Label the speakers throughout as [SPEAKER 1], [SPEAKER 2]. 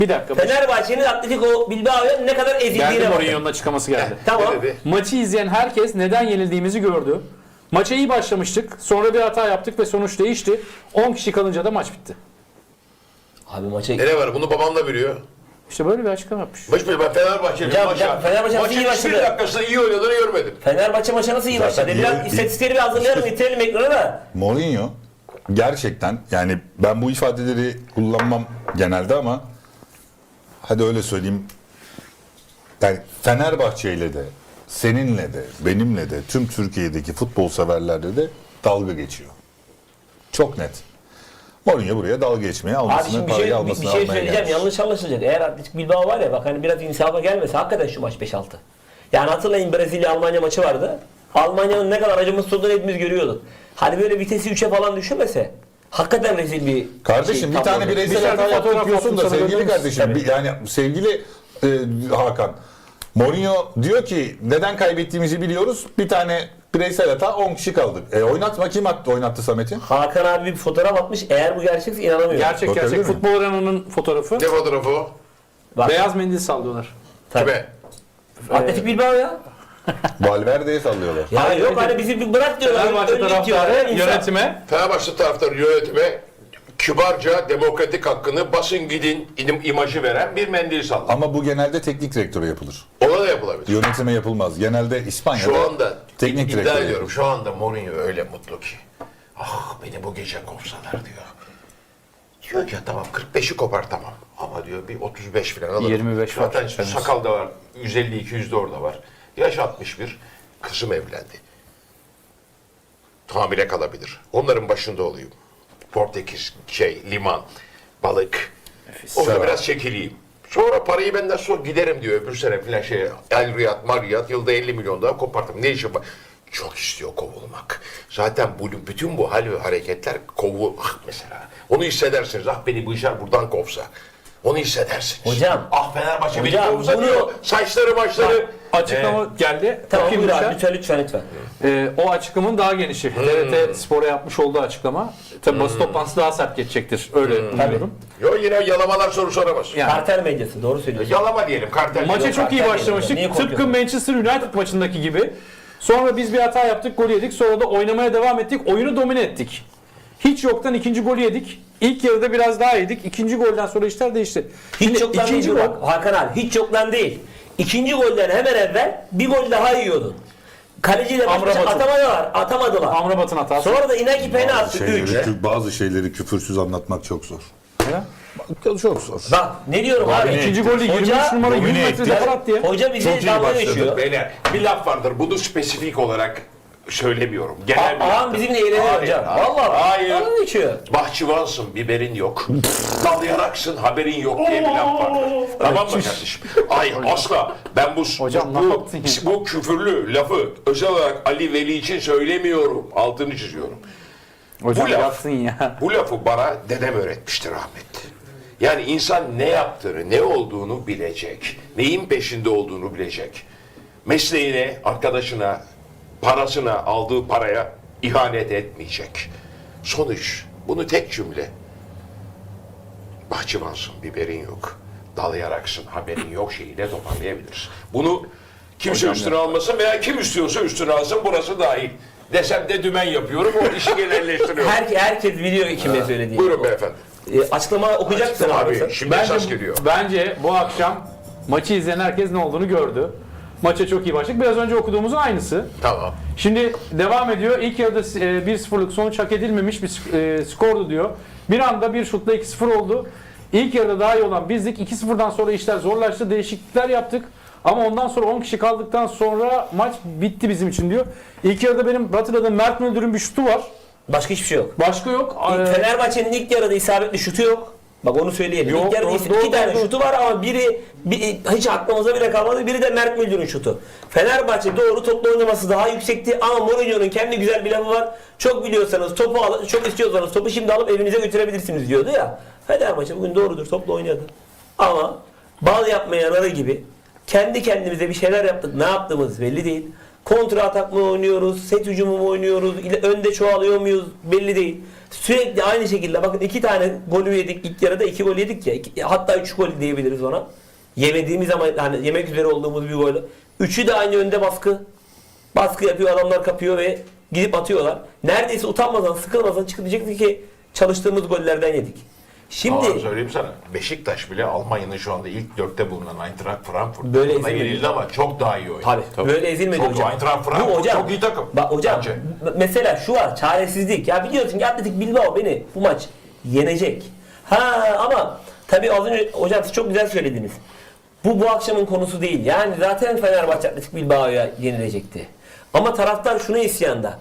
[SPEAKER 1] Bir dakika.
[SPEAKER 2] Fenerbahçe'nin Atletico Bilbao'ya ne kadar ezildiğine
[SPEAKER 1] Geldi
[SPEAKER 2] bakın.
[SPEAKER 1] Mourinho'nun açıklaması geldi.
[SPEAKER 2] Tamam.
[SPEAKER 1] Maçı izleyen herkes neden yenildiğimizi gördü. Maça iyi başlamıştık. Sonra bir hata yaptık ve sonuç değişti. 10 kişi kalınca da maç bitti.
[SPEAKER 2] Abi maça...
[SPEAKER 3] Ne var? Bunu babam da biliyor.
[SPEAKER 1] İşte böyle bir açıklama yapmış.
[SPEAKER 3] Ben Fenerbahçe'nin
[SPEAKER 2] Hocam,
[SPEAKER 3] maça.
[SPEAKER 2] Fenerbahçe nasıl iyi
[SPEAKER 3] Maçın hiçbir
[SPEAKER 2] başladı?
[SPEAKER 3] dakikasında iyi oynadığını görmedim.
[SPEAKER 2] Fenerbahçe maça nasıl iyi
[SPEAKER 4] Zaten
[SPEAKER 2] başladı? Biraz istatistikleri bir hazırlayalım, getirelim ekrana da.
[SPEAKER 4] Mourinho gerçekten, yani ben bu ifadeleri kullanmam genelde ama hadi öyle söyleyeyim, yani Fenerbahçe ile de seninle de benimle de tüm Türkiye'deki futbol severlerle de dalga geçiyor. Çok net. Mourinho buraya dalga geçmeye,
[SPEAKER 2] Abi
[SPEAKER 4] almasını,
[SPEAKER 2] şimdi bir
[SPEAKER 4] parayı
[SPEAKER 2] şey
[SPEAKER 4] almasını almaya
[SPEAKER 2] söyleyeceğim,
[SPEAKER 4] gelmiş.
[SPEAKER 2] yanlış anlaşılacak. Eğer Atletico Bilbao var ya, bak hani biraz insafa gelmese hakikaten şu maç 5-6. Yani hatırlayın, Brezilya-Almanya maçı vardı. Almanya'nın ne kadar acımasız olduğunu hepimiz görüyorduk. Hani böyle vitesi 3'e falan düşürmese hakikaten rezil bir
[SPEAKER 4] Kardeşim bir
[SPEAKER 2] tablo
[SPEAKER 4] tane
[SPEAKER 2] olur.
[SPEAKER 4] bireysel
[SPEAKER 1] Bir
[SPEAKER 4] hata
[SPEAKER 1] fotoğraf
[SPEAKER 4] yaptık diyorsun da
[SPEAKER 1] attım sana,
[SPEAKER 4] sevgili
[SPEAKER 1] gönderir
[SPEAKER 4] kardeşim,
[SPEAKER 2] misin?
[SPEAKER 4] yani sevgili Hakan, Mourinho diyor ki neden kaybettiğimizi biliyoruz, bir tane bireysel hata, 10 kişi kaldık. Oynatma, kim oynattı Samet'i?
[SPEAKER 2] Hakan abi bir fotoğraf atmış. Eğer bu gerçekse inanamıyorum.
[SPEAKER 1] Gerçek
[SPEAKER 4] Bakabilir
[SPEAKER 1] gerçek.
[SPEAKER 4] miyim?
[SPEAKER 1] Futbol Arena'nın fotoğrafı.
[SPEAKER 3] Ne fotoğrafı o?
[SPEAKER 2] Bak,
[SPEAKER 1] Beyaz mendil sallıyorlar.
[SPEAKER 2] tabii.
[SPEAKER 3] Kime?
[SPEAKER 2] Atletico Bilbao ya.
[SPEAKER 4] Valverde'ye sallıyorlar.
[SPEAKER 2] Ya
[SPEAKER 1] Hayır,
[SPEAKER 2] yok hani bizi bir bırak diyorlar.
[SPEAKER 1] Fenerbahçe
[SPEAKER 2] önlük diyorlar,
[SPEAKER 1] taraftarı
[SPEAKER 2] insan.
[SPEAKER 1] yönetime
[SPEAKER 3] Fenerbahçe taraftarı yönetime kibarca demokratik hakkını basın gidin imajı veren bir mendil salladı.
[SPEAKER 4] Ama bu genelde teknik direktöre yapılır.
[SPEAKER 3] Ona da yapılabilir.
[SPEAKER 4] Yönetime yapılmaz. Genelde İspanya'da
[SPEAKER 3] Şu anda
[SPEAKER 4] teknik
[SPEAKER 3] iddia
[SPEAKER 4] direktöre
[SPEAKER 3] ediyorum.
[SPEAKER 4] yapılır.
[SPEAKER 3] Şu anda Mourinho öyle mutlu ki. Ah beni bu gece kovsalar diyor. Diyor ki tamam 45'i kopar tamam. Ama diyor bir 35 falan alırım.
[SPEAKER 1] 25 var.
[SPEAKER 3] Zaten
[SPEAKER 1] Fena.
[SPEAKER 3] sakal da var. 150-200 de orada var. Yaş 61. Kızım evlendi. Hamile kalabilir. Onların başında olayım. Portekiz, liman, balık. Orada biraz çekileyim. Sonra parayı benden sonra giderim diyor öbür sene filan El Riyad, Mariyat yılda 50 milyon daha kopartım. Ne işim var? Çok istiyor kovulmak. Zaten bütün bu hal ve hareketler mesela. Onu hissedersiniz. Ah beni bu işler buradan kovsa. Onu hissedersiniz.
[SPEAKER 2] Hocam.
[SPEAKER 3] Ah Fenerbahçe beni
[SPEAKER 2] Hocam,
[SPEAKER 3] kovsa
[SPEAKER 2] bunu-
[SPEAKER 3] diyor. Saçları başları.
[SPEAKER 1] açıklama geldi.
[SPEAKER 2] Tamam
[SPEAKER 1] Okuyayım
[SPEAKER 2] buyur abi,
[SPEAKER 1] lütfen.
[SPEAKER 2] lütfen.
[SPEAKER 1] O açıklamanın daha genişi. TRT Spor'a yapmış olduğu açıklama. Tabii basın toplantısı daha sert geçecektir. Öyle umuyorum.
[SPEAKER 3] Yo yine yalamalar soru soramaz.
[SPEAKER 1] Yani
[SPEAKER 2] Kartel medyası, doğru söylüyorsun.
[SPEAKER 3] Yalama diyelim kartel.
[SPEAKER 1] maça
[SPEAKER 3] diyelim.
[SPEAKER 1] çok iyi
[SPEAKER 2] Niye
[SPEAKER 1] başlamıştık. Tıpkı
[SPEAKER 2] korkuyorsun?
[SPEAKER 1] Manchester United maçındaki gibi. Sonra biz bir hata yaptık, gol yedik. Sonra da oynamaya devam ettik. Oyunu domine ettik. Hiç yoktan ikinci golü yedik. İlk yarıda biraz daha yedik. İkinci golden sonra işler değişti.
[SPEAKER 2] Hiç yoktan
[SPEAKER 1] ikinci
[SPEAKER 2] değil
[SPEAKER 1] gol.
[SPEAKER 2] bak Hakan abi, hiç yoktan değil. İkinci golden hemen evvel bir gol daha yiyordun. Kaleciyle baş başa
[SPEAKER 1] Amrabat'ın.
[SPEAKER 2] atamadılar.
[SPEAKER 1] Amrabat'ın hatası.
[SPEAKER 2] Sonra da Inaki pena attı 3.
[SPEAKER 4] Bazı şeyleri küfürsüz anlatmak çok zor.
[SPEAKER 1] Ya.
[SPEAKER 4] Çok zor.
[SPEAKER 2] Bak ne diyorum abi.
[SPEAKER 1] İkinci golü 23 numara 100 metre depar attı ya.
[SPEAKER 2] Hoca bize
[SPEAKER 3] Çok iyi
[SPEAKER 2] dalga
[SPEAKER 3] başladık
[SPEAKER 2] geçiyor.
[SPEAKER 3] beyler. Bir laf vardır. Bunu spesifik olarak söylemiyorum. Genel bir
[SPEAKER 2] Ağam
[SPEAKER 3] laftır.
[SPEAKER 2] bizimle eğleniyor
[SPEAKER 3] Hayır,
[SPEAKER 2] hocam.
[SPEAKER 3] hayır.
[SPEAKER 2] Vallahi
[SPEAKER 3] Hayır.
[SPEAKER 2] dalga geçiyor.
[SPEAKER 3] Bahçıvansın, biberin yok. Dalyanaksın, haberin yok diye bir laf vardır. Tamam mı kardeşim? Hayır, asla. Ben
[SPEAKER 1] Hocam, ne yaptın ya?
[SPEAKER 3] bu küfürlü lafı özel olarak Ali Veli için söylemiyorum. Altını çiziyorum.
[SPEAKER 1] Hocam
[SPEAKER 3] Bu laf-
[SPEAKER 1] yapsın ya.
[SPEAKER 3] Bu lafı bana dedem öğretmiştir rahmetli. Yani insan ne yaptığını, ne olduğunu bilecek. Neyin peşinde olduğunu bilecek. Mesleğine, arkadaşına, parasına, aldığı paraya ihanet etmeyecek. Sonuç, bunu tek cümle. Bahçıvansın, biberin yok. Dalayaraksın, haberin yok şeyiyle toparlayabiliriz. Bunu kimse üstüne almasın veya kim istiyorsa üstüne alsın, burası dahil. Desem de dümen yapıyorum, o işi genelleştiriyorum.
[SPEAKER 2] Herkes biliyor kime söylediğini.
[SPEAKER 3] Buyurun beyefendi.
[SPEAKER 2] Açıklama okuyacak mısın abi?
[SPEAKER 3] Abi, şimdi esas geliyor.
[SPEAKER 1] Bence bu akşam maçı izleyen herkes ne olduğunu gördü. Maça çok iyi başladık. Biraz önce okuduğumuzun aynısı.
[SPEAKER 3] Tamam.
[SPEAKER 1] Şimdi devam ediyor. İlk yarıda 1-0'lık sonuç hak edilmemiş bir skordu diyor. Bir anda bir şutla 2-0 oldu. İlk yarıda daha iyi olan bizdik. 2-0'dan sonra işler zorlaştı. Değişiklikler yaptık. Ama ondan sonra 10 kişi kaldıktan sonra maç bitti bizim için diyor. İlk yarıda benim hatırladığım Mert Müldür'ün bir şutu var.
[SPEAKER 2] Başka hiçbir şey yok.
[SPEAKER 1] Başka yok.
[SPEAKER 2] Fenerbahçe'nin ilk yarıda isabetli şutu yok. Bak onu söyleyelim.
[SPEAKER 1] Yok,
[SPEAKER 2] İlk yarıda
[SPEAKER 1] doğru,
[SPEAKER 2] iki tane
[SPEAKER 1] doğru.
[SPEAKER 2] şutu var ama biri hiç aklımıza bile kalmadı. Biri de Mert Müldür'ün şutu. Fenerbahçe doğru topla oynaması daha yüksekti ama Mourinho'nun kendi güzel bir lafı var. Çok biliyorsanız topu çok istiyorsanız topu şimdi alıp evinize götürebilirsiniz diyordu ya. Fenerbahçe bugün doğrudur topla oynadı. Ama bal yapmayan arı gibi kendi kendimize bir şeyler yaptık. Ne yaptığımız belli değil. Kontra atak mı oynuyoruz, set hücumu mu oynuyoruz, önde çoğalıyor muyuz belli değil. Sürekli aynı şekilde bakın 2 tane golü yedik ilk yarıda 2 gol yedik ya hatta 3 gol diyebiliriz ona. Yemediğimiz ama hani yemek üzere olduğumuz bir gol. Üçü de aynı önde baskı. Baskı yapıyor adamlar kapıyor ve gidip atıyorlar. Neredeyse utanmadan sıkılmadan çıkıp diyecekti ki çalıştığımız gollerden yedik.
[SPEAKER 3] Şimdi
[SPEAKER 2] Şimdi
[SPEAKER 3] söyleyeyim sana. Beşiktaş bile Almanya'nın şu anda ilk 4'te bulunan Eintracht Frankfurt.
[SPEAKER 2] Böyle
[SPEAKER 3] Buna
[SPEAKER 2] ezilmedi.
[SPEAKER 3] yenildi ama çok daha iyi oynadı.
[SPEAKER 2] tabii böyle ezilmedi
[SPEAKER 3] Çok
[SPEAKER 2] hocam.
[SPEAKER 3] Eintracht Frankfurt
[SPEAKER 2] Bu hocam,
[SPEAKER 3] çok iyi takım.
[SPEAKER 2] Bak hocam
[SPEAKER 3] Bence.
[SPEAKER 2] mesela şu var çaresizlik. Ya biliyorsun ki Atletik Bilbao beni bu maç yenecek. Ha ama tabii az önce hocam siz çok güzel söylediniz. Bu akşamın konusu değil. Yani zaten Fenerbahçe Atletik Bilbao'ya yenilecekti. Ama taraftar şuna isyanda.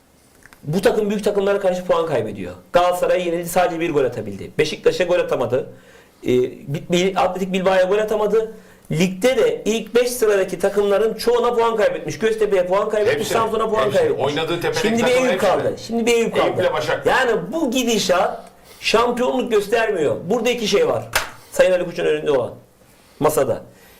[SPEAKER 2] Bu takım büyük takımlara karşı puan kaybediyor. Galatasaray yenildi sadece bir gol atabildi. Beşiktaş'a gol atamadı. Atletik Bilbao'ya gol atamadı. Ligde de ilk 5 sıradaki takımların çoğuna puan kaybetmiş. Göztepe'ye puan kaybetmiş,
[SPEAKER 3] Hepsi,
[SPEAKER 2] Samsun'a puan
[SPEAKER 3] hepsi.
[SPEAKER 2] kaybetmiş.
[SPEAKER 3] Oynadığı tepedeki
[SPEAKER 2] Şimdi bir
[SPEAKER 3] takımın
[SPEAKER 2] Eyüp
[SPEAKER 3] hepsi.
[SPEAKER 2] kaldı. Şimdi bir Eyüp kaldı.
[SPEAKER 3] Eyüp'le Başakşehir.
[SPEAKER 2] Yani bu gidişat şampiyonluk göstermiyor. Burada iki şey var. Sayın Ali Koç'un önünde olan masada.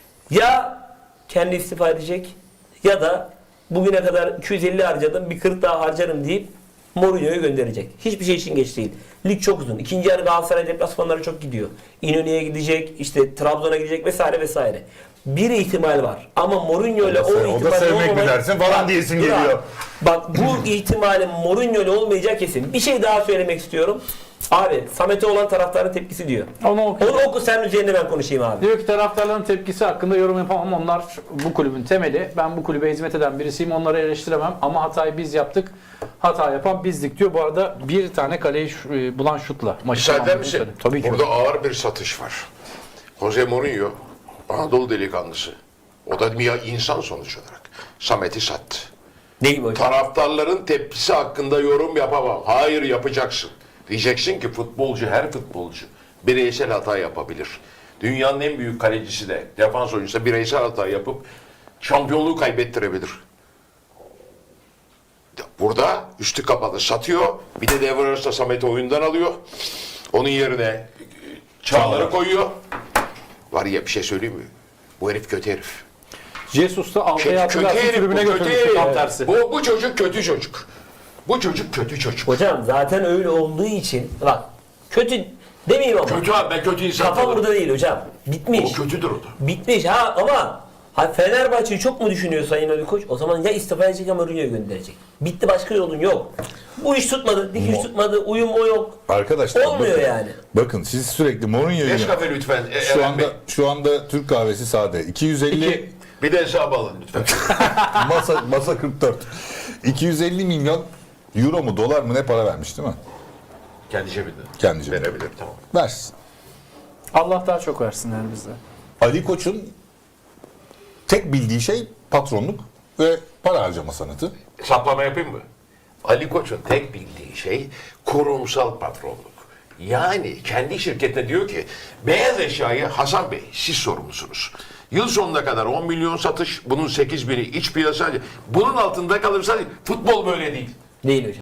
[SPEAKER 2] Ya kendi istifa edecek ya da bugüne kadar 250 harcadım bir 40 daha harcarım deyip Mourinho'yu gönderecek. Hiçbir şey için geç değil. Lig çok uzun. İkinci yarı Galatasaray deplasmanları çok gidiyor. İnönü'ye gidecek, işte Trabzon'a gidecek vesaire vesaire. Bir ihtimal var. Ama Mourinho ile o ihtimal
[SPEAKER 4] O da sevmek mi
[SPEAKER 2] olmamak-
[SPEAKER 4] dersin falan diyesin geliyor.
[SPEAKER 2] Bak bu ihtimalin Mourinho ile olmayacağı kesin. Bir şey daha söylemek istiyorum. Abi Samet'e olan taraftarın tepkisi diyor.
[SPEAKER 1] Onu oku.
[SPEAKER 2] Onu oku sen üzerine ben konuşayım abi.
[SPEAKER 1] Diyor ki taraftarların tepkisi hakkında yorum yapamam. Onlar bu kulübün temeli. Ben bu kulübe hizmet eden birisiyim. Onları eleştiremem. Ama hatayı biz yaptık. Hata yapan bizdik diyor. Bu arada bir tane kaleyi bulan şutla maçı
[SPEAKER 3] Müsaade
[SPEAKER 1] tamamladı.
[SPEAKER 3] misin?
[SPEAKER 1] Tabii ki.
[SPEAKER 3] Burada ağır bir satış var. Jose Mourinho, Anadolu delikanlısı. O da bir insan sonuç olarak. Samet'i sattı.
[SPEAKER 2] Ne gibi hocam?
[SPEAKER 3] Taraftarların tepkisi hakkında yorum yapamam. Hayır yapacaksın. Diyeceksin ki futbolcu, her futbolcu bireysel hata yapabilir. Dünyanın en büyük kalecisi de, defans oyuncusu da bireysel hata yapıp şampiyonluğu kaybettirebilir. Burada üstü kapalı satıyor. Bir de devre arasında Samet'i oyundan alıyor. Onun yerine Çağlar'ı koyuyor. Var ya bir şey söyleyeyim mi? Bu herif kötü herif.
[SPEAKER 1] Jesus da Altay'ı hatırlarsın tribüne götürmüştü tam tersi.
[SPEAKER 3] Bu çocuk kötü çocuk. Bu çocuk kötü çocuk.
[SPEAKER 2] Hocam zaten öyle olduğu için bak kötü demeyeyim ama.
[SPEAKER 3] Kötü abi ben kötü insan
[SPEAKER 2] Kafa
[SPEAKER 3] tanırım.
[SPEAKER 2] burada değil hocam. Bitmiş.
[SPEAKER 3] O kötüdür o da.
[SPEAKER 2] Bitmiş ha ama Fenerbahçe'yi çok mu düşünüyor Sayın Ali Koç? O zaman ya istifa edecek ya Mourinho'yu gönderecek. Bitti başka yolun yok. Bu iş tutmadı, dikiş tutmadı, uyum o yok.
[SPEAKER 4] Arkadaşlar
[SPEAKER 2] Olmuyor
[SPEAKER 4] bakın,
[SPEAKER 2] yani.
[SPEAKER 4] Bakın siz sürekli Mourinho'yu
[SPEAKER 3] Nescafe lütfen.
[SPEAKER 4] şu anda Türk kahvesi sade. 250
[SPEAKER 3] Bir de hesap alın lütfen.
[SPEAKER 4] masa 44. 250 milyon euro mu dolar mı ne para vermiş değil mi?
[SPEAKER 3] Kendi cebinde.
[SPEAKER 4] Kendi cebinde.
[SPEAKER 3] Verebilir tamam.
[SPEAKER 4] Versin.
[SPEAKER 1] Allah daha çok versin yani bize.
[SPEAKER 4] Ali Koç'un tek bildiği şey patronluk ve para harcama sanatı.
[SPEAKER 3] Saplama yapayım mı? Ali Koç'un tek bildiği şey kurumsal patronluk. Yani kendi şirketine diyor ki beyaz eşyayı Hasan Bey siz sorumlusunuz. Yıl sonuna kadar 10 milyon satış, bunun 8 bini iç piyasa. Bunun altında kalırsa futbol böyle değil.
[SPEAKER 2] Değil hocam.